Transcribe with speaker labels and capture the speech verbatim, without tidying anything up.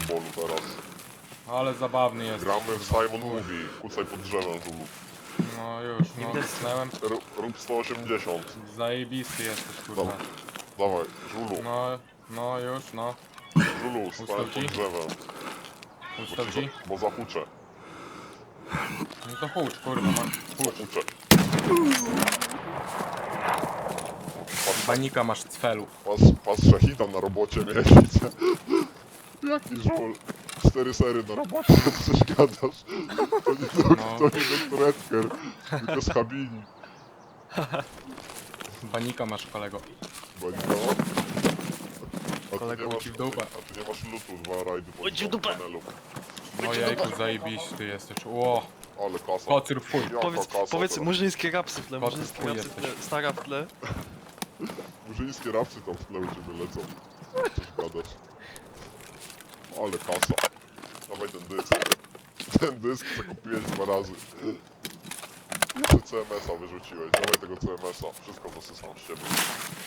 Speaker 1: bolu teraz.
Speaker 2: Ale zabawny jest.
Speaker 1: Gramy w Simon Movie. Kucaj pod drzewem, Żulu.
Speaker 2: No już, no kusnęłem.
Speaker 1: R rób sto osiemdziesiąt.
Speaker 2: Zajebisty jesteś, kurwa.
Speaker 1: Dobra. Dawaj, Żulu.
Speaker 2: No, no już, no.
Speaker 1: Żulu, stań
Speaker 2: Ustaw
Speaker 1: pod
Speaker 2: ci?
Speaker 1: drzewem. Bo,
Speaker 2: Ustaw
Speaker 1: ci
Speaker 2: ci?
Speaker 1: za, bo zahuczę.
Speaker 2: No to hucz, kurwa, ma.
Speaker 1: Zahuczę.
Speaker 2: Banika masz cfelu.
Speaker 1: Pas, pas szachida na robocie miesiąc. Jaki żul? Cztery sery na robocie, coś gadasz. To nie, dok
Speaker 2: No.
Speaker 1: to nie doktor Edgar, tylko z Habini.
Speaker 2: Banika masz, kolego.
Speaker 1: Banika? A ty
Speaker 2: Kolego,
Speaker 1: nie masz,
Speaker 2: ci w dupę.
Speaker 1: a ty nie masz lutu, dwa rajdy po
Speaker 3: Oj, ci w dupę.
Speaker 1: panelu.
Speaker 2: No jejku, zajebiście jesteś. Ło,
Speaker 1: Ale kasa.
Speaker 2: kocyr w chuj.
Speaker 1: Jaka
Speaker 3: Powiedz,
Speaker 1: kasa
Speaker 3: powiedz
Speaker 1: teraz.
Speaker 3: murzyńskie rapsy w tle,
Speaker 2: Kot
Speaker 3: murzyńskie
Speaker 2: chuj
Speaker 3: rapsy w tle,
Speaker 2: jesteś.
Speaker 3: stara w tle.
Speaker 1: Murzyńskie rapsy tam w tle u ciebie lecą. Coś gadasz. Ale kasa. Dawaj ten dysk. Ten dysk co kupiłeś dwa razy. Jeszcze C M S-a wyrzuciłeś. Dawaj tego C M S-a. Wszystko zasysam z ciebie.